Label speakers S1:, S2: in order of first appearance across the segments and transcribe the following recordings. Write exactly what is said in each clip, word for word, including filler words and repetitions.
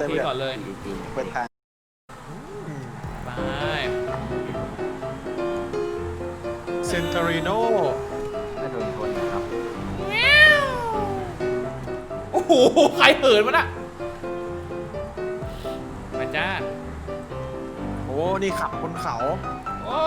S1: ทีก่อนเลย
S2: เปิดทาง
S1: ไป
S3: เซนเตอริโน
S4: ไม่โดนชนนะครับ
S1: โอ้โหใครเหินมาน่ะมาจ้า
S3: โอ้นี่ขับบนเขา
S1: โอ้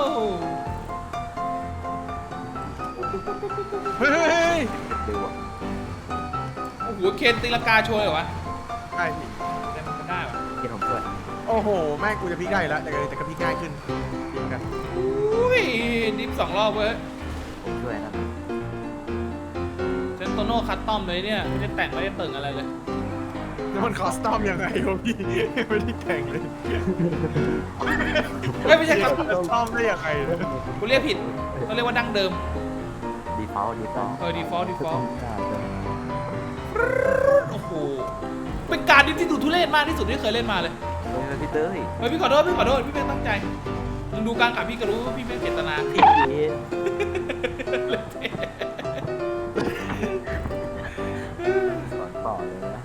S3: เฮ้ย
S4: ดูอ่ะ
S1: โอ้โหเคนตีลังกาโชว์เลยวะ
S3: ได้สิ
S1: ได้มันได้ปะ
S4: เกียร์ผมช่วย
S3: โอ้โหแม่งกูจะพลิกได้แล้วแต่ก็แต่ก็พลิกง่ายขึ้นพลิกกัน
S1: อุ้ยดิฟสองรอบเว้ย
S4: ผมช่วยนะ
S1: เซนโตโน่คัสตอมเลยเนี่ยไม่ได้แต่งไม่ได้เติ่งอะไรเลย
S3: แล้วมันคอสตอมยังไงวะพี่ไม่ได้แต่งเลย
S1: เฮ้ยไม่ใช่ครับ
S3: คอสตอมได้ยังไงเนี่ย
S1: กูเรียกผิดต้องเรียกว่าดั้งเดิม
S4: ดีฟอลต์ดีฟอลต์
S1: เออ default default โอ้โหเป็นการดิฟที่ดูทุเรศมากที่สุดที่เคยเล่นมาเลย
S4: เฮ้ยพี่เต้ย
S1: เฮ้ยพี่ขอโทษพี่ขอโทษพี่ไม่ตั้งใจมึงดูกลางกับพี่ก็รู้ว่าพี่ไม่เจตนา
S4: พี่เอ๊ะสอนต่อเลยนะ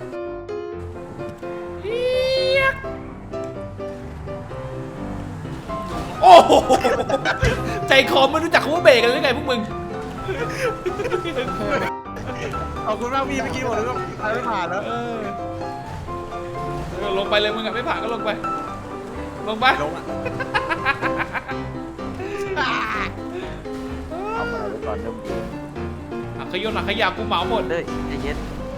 S1: โอ้โหใจคอไม่รู้จักคำว่าเบรกกันหรือไงพวกมึง
S3: ขอบคุณมากพี่เมื่อกี้บอกเลยว่าใครไม่ผ่านแล้ว
S1: เออเออลงไปเลยมึงอะไม่ผ่านก็ลงไป ลงไป
S3: ลงอ่ะ
S4: เอามาแล้วตอนเริ่มเกม
S1: อ่ะขยนอ่ะขยะกูเหมาหมด
S4: เต้ยใจเย็น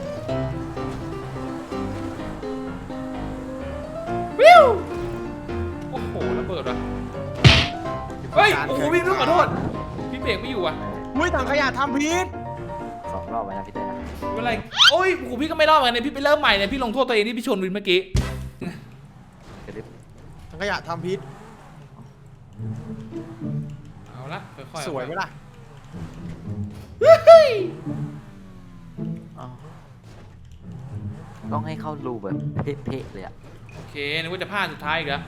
S1: วิวโอ้โหระเบิดว่ะเฮ้ยโอ้โหพี่พี่ขอโทษพี่เบรกไม่อยู่อ่ะ
S3: อุ้ยถังขยะทำพิษ
S4: สองรอบไปนะพี่เต้ยนะ
S1: ไม่เป็นไรโอ้ยโอ้โหพี่ก็ไม่รอดเหมือนกันเนี่ยพี่ไปเริ่มใหม่เนี่ยพี่ลงโทษตัวเองที่พี่ชนวินเมื่อกี้
S4: กระดิบ
S3: ถังขยะทำพิษ
S1: เอาละค่อยๆ
S3: สวยไหมล่ะ
S1: เฮ้ย
S4: อ๋อต้องให้เข้ารูแบบเพ่ๆเลยอ่ะ
S1: โอเคนึกว่าจะพลาดสุดท้ายอีกแล้ว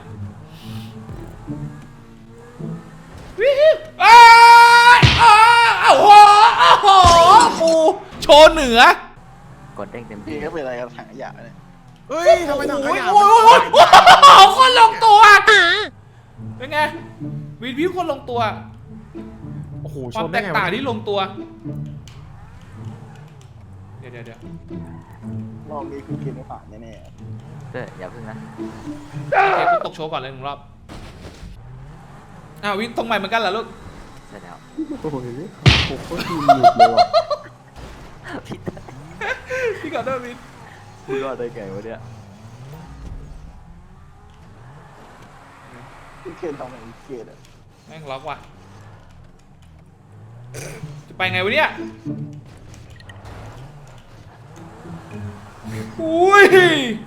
S1: วิวอ้ายอ้าวโอ้โหโอ้โหปูโชว์เหนือก
S4: ดเด้งเต็ม
S2: พี่
S4: ที่
S2: ก็เป็นอะไรกับถังขยะเนี่ย
S3: เฮ้ยทำไมถังขยะ
S1: โอ้ยโอ้ยโอ้ยโอ้ยคนลงตัวเป็นไงวินวิวคนลงตัว
S3: โอ้โห
S1: ค
S3: ช
S1: วาม
S3: น
S1: แต
S3: ได้
S1: ก
S3: ไง
S1: ต่าง
S3: วะ
S1: ที่ลงตัวเดี๋ยวเดี๋ยวเดี๋ยว
S2: รอบนี้คือกินไม่ผ่านแน่
S4: เต้ยอย่าพึ่งนะ
S1: โอเคกูตกโชว์ก่อนเลยหนึ่งรอบอ้าววินตรงใหม่เหมือนกันเหรอลูก
S4: ใช่แล้ว
S2: ๆโอ้ยผมก็ทีหยุดเลยว่ะ
S4: พี่เต้ย
S1: พี่ขอโทษวิน
S4: พูดรอดได้ไงวะเนี่ย
S2: พี่เคนทำอะไรเคนอ่ะ
S1: แม่งล็อกว่ะจะไปไงวะเนี่ยอุ้ย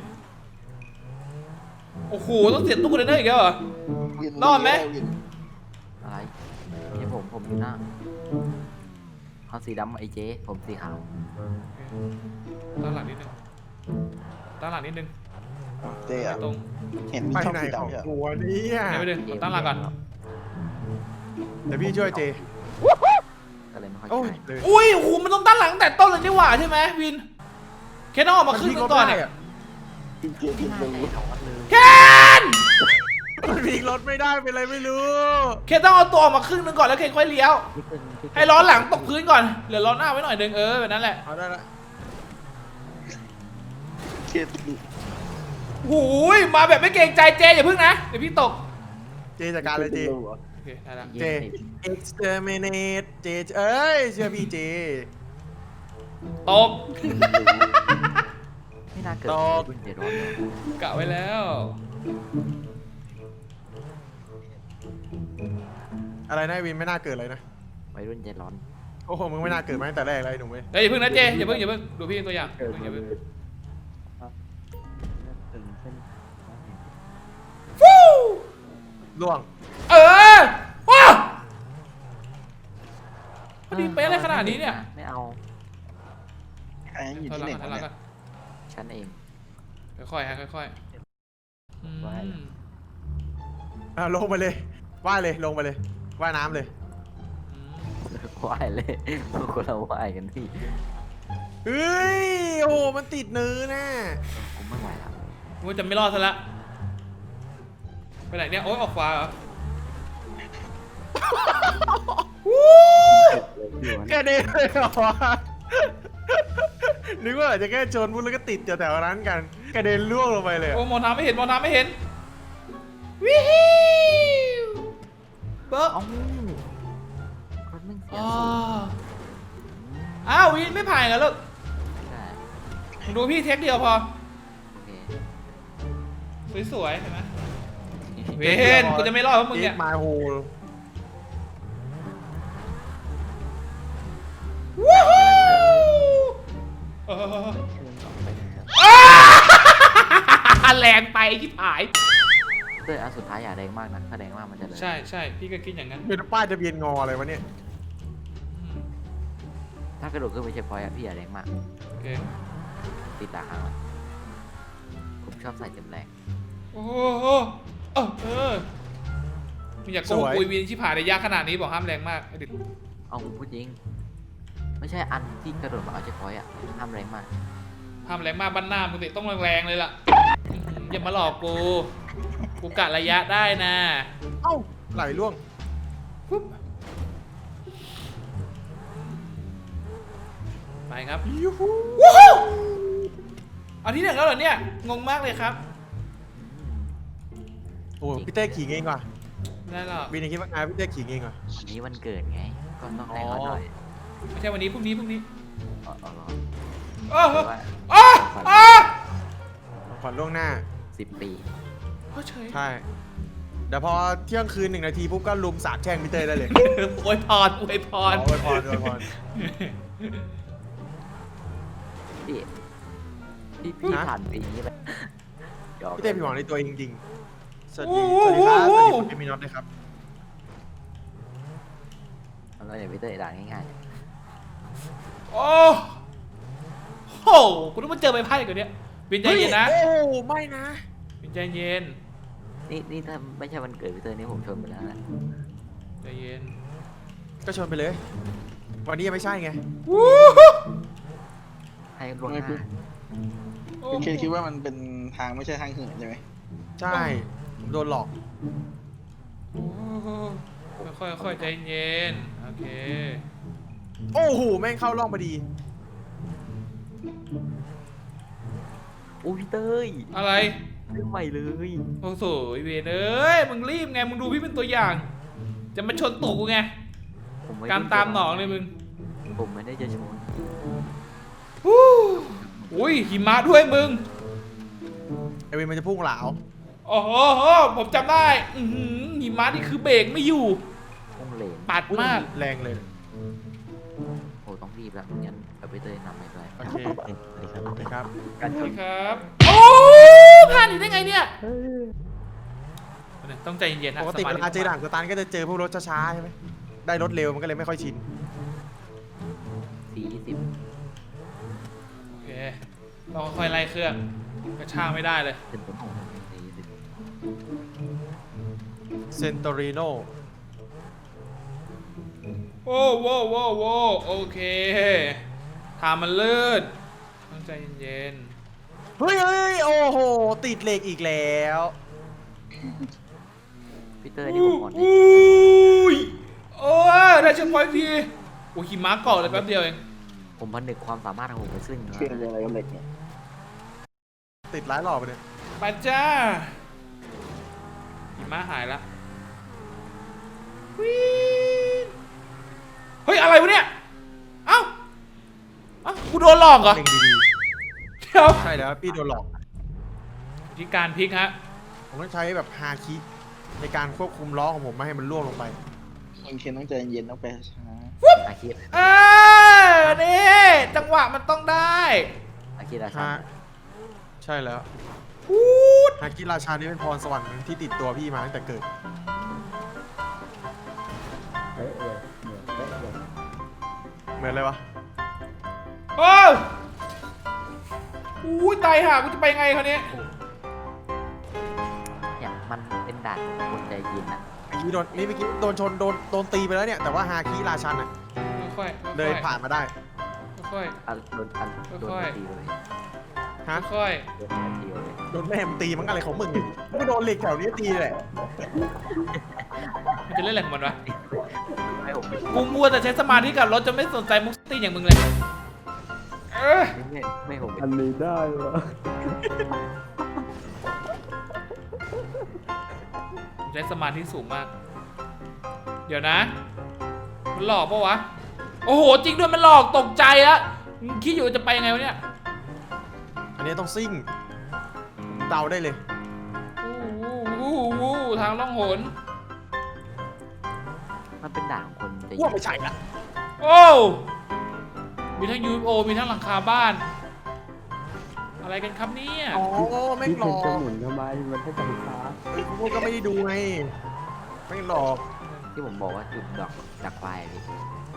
S1: โอ้โหต้องเสียตู้คอนเทนเนอร์อีกแล้วเหรอ
S2: วิน
S1: รอดไหม
S2: วิน
S4: อะไรนี่ผมผมอยู่หน้าเขาสีดำไอ้เจ๊ผมสีขาว
S1: ด้านหลังนิดนึงด้านหลังนิดนึง
S2: เจ๊อะ
S1: ตรง
S2: เห็นมี
S3: ไป
S2: ช่อง
S3: ไหน
S2: สี
S3: ของ
S2: ดำใช่ไหม
S3: กูวะเนี่ย
S1: เดี๋ยวไปดึงด้านหลังก่อน
S3: เดี๋ยวพี่ช่วยเจ
S4: ก็เลยไม่ค่อย
S3: โอ้ย
S4: ใช่
S3: เลย
S1: อุ้ยโอ้โหมันต้องด้านหลังแต่ต้นเลยนี่หว่าใช่ไหมวินเคนต้องออกมาครึ่งนึงก่อน
S3: มั
S1: อ่ะ
S2: กินเคนกินรู้
S1: เคน
S3: มันพลิกรถไม่ได้เป็นไรไม่รู้
S1: เคนต้องเอาตัวออกมาครึ่งนึงก่อนแล้วเคนค่อยเลี้ยว
S4: พี่เต้ยพี่เต้ย
S1: ให้ล้อหลังตกพื้นก่อนเหลือล้อหน้าไว้หน่อยนึงเออแบบนั้นแหละ
S3: เอาได้ละ
S2: เคน
S1: หูยมาแบบไม่เกรงใจเจอย่าพึ่งนะเดี๋ยวพี่ตก
S3: เจจัดการเลยเจ
S2: รู้เหรอ
S1: โอเคได้ละ
S3: เจ exterminate เจเอ้ยเชื่อพี่เจ
S1: ตก
S4: ไม่น่าเกิด
S3: ตก
S4: รุ่นเจ็ดร้อยเลย
S1: กะไว้แล้ว
S3: อะไรนะวินไม่น่าเกิดเลยนะ
S4: วัยรุ่นเจ็ดร้อน
S3: โอ้โหมึงไม่น่าเกิดมาตั้งแต่แรกเลยหนุ่มเว้ย
S1: เดี๋ยวอย่าพึ่งนะเจอย่าพึ่งอย่าพึ่งดูพี่เป็นตัวอย่างอย่าพึ่งอย่าพึ่งฟู้
S3: ล่วง
S1: เออว้าพอดีเป๊ะอะไรขนาดนี้เนี่ย
S4: ไม่เอา
S2: ใครอยู่
S1: ถอย
S2: ที่
S1: หลัง
S2: ไหน
S1: ก่อนถอยว หลัง
S2: ะเนี่
S1: ก่อย น
S4: ฉันเอง
S1: ค่อยๆฮะค่อยๆอืม
S3: อ่ะลงไปเลยว่ายเลยลงไปเลยว่ายน้ำเลย
S1: อืม
S4: ว่ายเลยคนเราว่ายกันพี่
S3: เฮ้ยโอ้โหมันติดเนื้อแน่
S4: ผมไม่ไหวแล้ว
S1: ว่าจะไม่รอดซะละไปไหนเนี่ยโอ๊ยออกขวาเหรอ
S3: แค่นี้เลยเหรอวะนึกว่าอาจจะแค่ชนพุ่งแล้วก็ติดแถวๆนั้นกันกระเด็นล่วงลงไปเลยอะ
S1: โอ้มองทางไม่เห็นมองทางไม่เห็นวิวเบิร์ก
S4: เอ้ารถแม่งเสีย
S1: อ๋อ
S4: สูง
S1: อ้าววินไม่ผ่านกันลูก
S4: ใช่
S1: มึงดูพี่เทคเดียวพอ
S4: โอเค
S1: สวยๆเห็นไหมเวนกูจะไม่รอดเพราะมึงเนี่ย
S3: มาโฮ
S1: วู้ฮู้เอออ้าแรงไปที่ผาย
S4: เต้ยอันสุดท้ายอย่าแดงมากนะถ้าแดงมากมันจะเลย
S1: ใช่ใช่พี่ก็คิดอย่างนั้น
S3: เป็นป้ายทะเบียนงออะไรวะเนี่ย
S4: ถ้ากระโดดขึ้นไปเช็คพอยต์อะพี่อย่าแดงมาก
S1: โอเค
S4: ติดตาค้างมันผมชอบใส่เต็มแรง
S1: โอ้โหเออเออมึงอยากโกงปุยวินที่ผ่านในยากขนาดนี้บอกห้ามแรงมากไอ้ดิ
S4: เอาผมพูดจริง ไม่ใช่อันที่กระโดดมาเอาเช็คพอยต์อะห้ามแรงมาก
S1: ห้ามแรงมากบ้านหน้ามึงสิต้องแรงๆเลยล่ะอย่ามาหลอกกูกูกะระยะได้นะ
S3: เอ้าไหลล่วง
S1: ปุ๊บไปครับ
S3: ยูฮู
S1: วู้ฮู้เอาที่หนึ่งแล้วเหรอเนี่ยงงมากเลยครับ
S3: โอ้พี่เต้ขิงเองว่ะ
S1: ไม่ได้หรอก
S3: วินยังคิดว่าไงพี่เต้ขิงเองว่ะ
S4: วันนี้วันเกิดไง ก็ต้องแรงเขาหน่อย
S1: ไม่ใช่วันนี้พรุ่งนี้พรุ่งนี้
S4: เอาเอาเหรอ
S1: โอ้โห
S4: หรือว่า
S1: โอ้โอ้
S3: ขวัญล่วงหน้า
S4: สิบปี
S1: โอ้เฉย
S3: ใช่เดี๋ยวพอเที่ยงคืนหนึ่งนาทีปุ๊บก็ลุมสาบแช่งพี่เต้ได้เลย
S1: อวยพรอวยพ
S3: อ๋อ
S1: ร
S3: อวยพรอวยพร
S4: พี่พี่พี่
S3: ฮะ
S4: ผ่านปีนี้ไปหยอก
S3: พี่เต้ผิดหวังในตัวเองจริงๆสวัสดีสวัสดีครับสวัสดีคุณเอมินอตด้วยครับ
S4: เราอย่าไปเตะด่าง่าย
S1: โอ้โหกูต้องมาเจอใบไพ่กันเนี่ยวินใจเย็นนะ
S3: โอ้ไม่นะ
S1: วินใจเย็น
S4: ๆนี่นี่ถ้าไม่ใช่วันเกิดพี่เตอร์นี่ผมชนไปแล้วนะ
S1: ใจเย็น
S3: ก็ชนไปเลย วันนี้ยังไม่ใช่ไง
S1: วู้ฮู้
S4: ให้ล่วงหน้า
S1: โอ้
S2: คุณเคคิดว่ามันเป็นทางไม่ใช่ทางเหินใช่ไหม
S3: ใช่ผมโดนหลอก
S1: โอ้โหค่อยๆค่อยๆใจเย็นโอเค
S3: โอ้โหแม่งเข้าร่องพอดี
S4: โอ้พี่เต้ย
S1: อะไร
S4: เรื่องใหม่เลย
S1: โอ้โหเวนเอ้ยมึงรีบไงมึงดูพี่เป็นตัวอย่าง จะมาชนตูกูไง
S4: ผมไม่
S1: การตามหนองเลยมึง
S4: ผมไม่ได้จะชน
S1: ฮู้อุ้ยหิมะด้วยมึง
S3: ไอวินมันจะพุ่งเหลา
S1: โอ้โหผมจำได้อือหือหิมะนี่คือเบรกไม่อยู่
S4: พุ่งเหลน
S1: ปัดมาก
S3: แรงเลย
S4: โอ้ต้องรีบแล้วงั้นเอาพี่เต้ยนำไปด้วย
S3: โอเคสวัสดีครับ
S4: การช
S1: สวัส
S4: น
S1: ดีครับ โอ้ผ่านอีกได้ไงเนี่ยต้องใจเย็นๆนะ
S3: ปกติ
S1: สม
S3: เว
S1: ธิ
S3: ลาเจอด่านสตันก็จะเจอพวกรถช้าๆใช่ไหมได้รถเร็วมันก็เลยไม่ค่อยชิน
S4: สี่ยี่สิบ
S1: โอเคเราค่อยๆไล่เครื่องกระชากไม่ได้เลย
S4: เป็นต้นของสี่ยี่สิบ
S3: เซนโตริโน
S1: โอ้โว้โว้โว้โอเคทางมันลื่นต้องใจเย็น
S3: เฮ้ยเฮ้ยโอ้โห ติดเหล็กอีกแล้ว
S4: พี่เต้
S1: ๆ
S4: ยนี่ผมอ่อนให้
S1: อุ้ยโอ้ยได้เช็คพอยต์ทีโอ้ยหิมะเกาะเลยแป๊บเดียวเอง
S4: ผมผนึกความสามารถของผมไปซึ่ง
S2: เชื่ออะไรกับเหล็กเนี่ย
S3: ติดร้ายหล่อไปเลย
S1: ไปจ้าหิมะหายละวีดเฮ้ยอะไรวะเนี่ยเอ้าเอ้ากูโดนหลอกเหรอ
S3: เล็งดี
S1: เดี๋ยว
S3: ๆ ใช่แล้วพี่โดนหลอก
S1: ที่การพลิกฮะ
S3: ผมต้องใช้แบบฮาคิในการควบคุมล้อของผมไม่ให้มันล่วงลงไป
S2: คุณเคนต้องใจเย็นต้องไปช้า
S4: อาคิด
S1: เออนี่จังหวะมันต้องได้
S4: อาคิดอาชา
S3: ฮะ ใช่แล้ว
S1: พูด
S3: ฮาคิราชานี่เป็นพรสวรรค์ที่ติดตัวพี่มาตั้งแต่เกิด เหมือนเลยวะ
S1: โอ้ยอุ้ยตายห่ากูจะไปไงคราวนี้
S4: เนี่ยมันเป็นด่านของคนใจเย็นอะ
S3: เมื่อกี้โดนนี่เมื่อกี้โดนชนโดนโดนตีไปแล้วเนี่ย แต่ว่าฮาคิราชันอ่ะ
S1: ค่อยๆ
S3: เดินผ่านมาได้
S1: ค่อย
S4: อันโดนอันโดน
S1: ค่อยๆ
S4: ตีเลย
S3: ฮะ
S1: ๆค่อย
S4: โดนตีเลย
S3: โดนแม่มงตีมันอะไรของมึงเนี่ยมึงก็โดนเหล็กแถวนี้ตีแหละ
S1: มันจะเล่นอะไรของมันวะ
S4: ให้ผมไป
S1: กูมัวแต่ใช้สมาธิกับรถจนไม่สนใจมุกตี้อย่างมึงเลยเออ
S4: ไม่ไม่ให้ผมไป
S5: อันนี้ได้เหรอ
S1: ใช้สมาธิสูงมาก เดี๋ยวนะ มันหลอกปะวะ โอ้โห จริงด้วยมันหลอกตกใจแล้วคิดอยู่จะไปยังไงวะเนี่ย
S3: อันนี้ต้องซิ่งเดาได้เลย
S1: วู้วู้วู้ทางล่องหน
S4: มันเป็นด่านของคนจะ
S3: ว่าไม่ใช่ละ
S1: โอ้มีทั้ง ยู เอฟ โอ มีทั้งหลังคาบ้าน อะไรกันครับเนี่ย
S3: อ๋อไม่
S5: พี่
S3: หล
S5: เคน
S3: อก
S5: จะหมุนทำไมมันให้จับขา
S3: เฮ้ยพวกก็ไม่ได้ดูไงไม่หลอก
S4: ที่ผมบอกว่าจุดดอกดักไฟอะพี่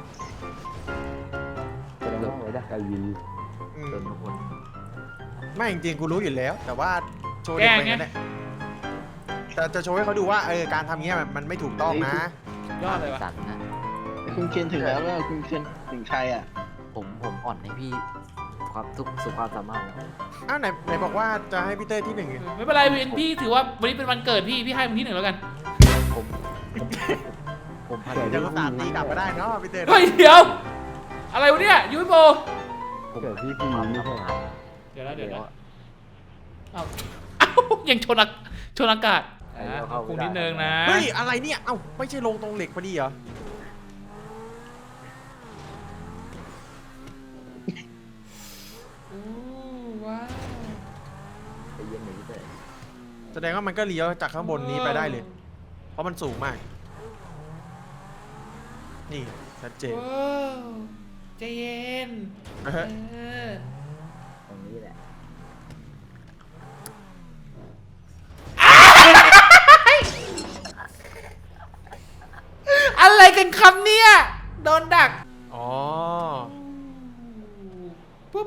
S5: แสดงว่าไว้ดักไอวี
S3: อื
S4: โด
S3: ม
S4: นทุกคน
S3: ไม่จริงๆกูรู้อยู่แล้ว แต่ว่าโชว์เด็กไปงั้นแหละแต่จะโชว์ให้เขาดูว่าเออการทำเงี้ยมันมันไม่ถูกต้องนะ
S1: ยอดเลยวะ
S4: สัตว์นะ
S2: คุณเคนถึงแล้วแล้วคุณเคนถึงใครอ่ะ
S4: ผมผมอ่อนให้พี่ความสุขสุขความสามารถแล้ว
S3: อ้าวไหนไหนบอกว่าจะให้พี่เต้ยที่หนึ่งไง
S1: ไม่เป็นไรวินพี่ถือว่าวันนี้เป็นวันเกิดพี่ พี่ให้มึงที่หนึ่งแล้วกัน
S4: ผมผมผมพัน
S3: เดี๋ยวก็ตามตีกลับมาได้เนาะพี่เต้ย
S1: เฮ้ย เดี๋ยว อะไรวะเนี่ย ยู เอฟ โอ
S4: ผม
S5: เกิดพี่พีไม่ใช่เหรอ
S1: เดี๋ยวนะ
S4: เดี๋
S1: เดี๋
S4: ย
S1: ยว วนะเอ้าเอ้ายังชนอากชนอากาศอ่ะขอบคุณนิดนึงนะ
S3: เฮ้ยอะไรเนี่ยเอ้าไม่ใช่ลงตรงเหล็กพอดีเหรอ
S1: อู้ว้าว
S4: ใจเย็นหน่อยพี่เตย
S3: แสดงว่ามันก็เลี้ยวจากข้างบนนี้ไปได้เลย เพราะมันสูงมาก นี่ชัดเจน
S1: ว้าวใจเย็น
S3: นะฮะ
S1: เออ
S4: ตรงนี้แหละ
S1: อะไรกันครับเนี่ย โดนดัก
S3: อ๋อ
S1: ปุ๊บ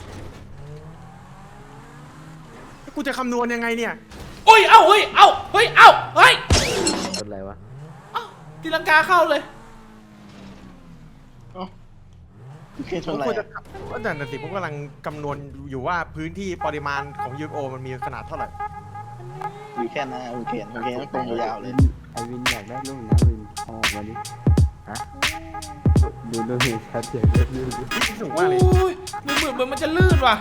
S3: กูจะคำนวณยังไงเนี่ย
S1: โอ้ย เอ้า เฮ้ย เอ้า เฮ้ย เอ้า เฮ้ย
S4: เป็นไรวะ
S1: เอ้าตีลังกาเข้าเลย
S2: เอ้าคุณเคนชนอะไร
S3: กูจะ
S2: อะ
S3: ว่าแต่นั่นสิผมกำลังคำนวณอยู่ว่าพื้นที่ปริมาณของ ยู เอฟ โอ มันมีขนาดเท่าไหร่
S2: อยู่แค่นั้นอะคุณเคนคุณเคนต้องตรงยาวๆเลย
S5: ไอวินอยากได้ลูกนะวินเอาออกมาดิ
S4: ฮะ
S5: ดูดูเห็นชัดเจนเลยดูดู
S3: สูง
S1: โอ้
S3: มากเลย
S1: ยมันเหมือนเหมือนมันจะลื่นว่ะ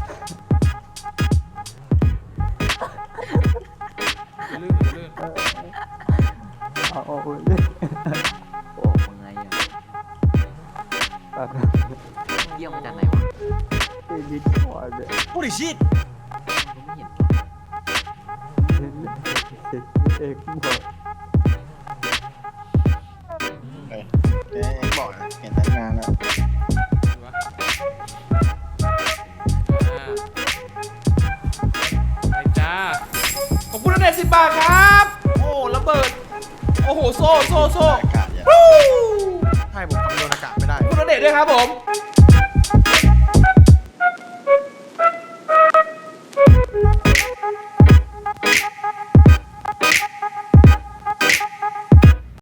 S1: มันลื่นมันลื่น
S5: เอาออกมาดิ
S4: โอ้มึงไงอ่ะ
S5: ตัด
S4: เยี่ยมมาจากไหนวะ
S5: ไอวินก่อนเลย
S3: โอ้ดิชิต
S4: ผมไม่เห็น
S5: เห็นเห็นเอกบอก
S2: เอ้ยเอ๊ะบอกนะเห็นตั้งนานแล้ว
S1: ดูวะอ่าไปจ้า ขอบคุณนะเด็ดสิบบาทครับ โอ้ระเบิด โอ้โห โซ่โซ่โซ่
S2: อากาศอย่าง
S1: วู้
S3: ใช่ผมคำนวณอากาศไม่ได้
S1: ขอบคุณนะเด็ดด้วยครับผม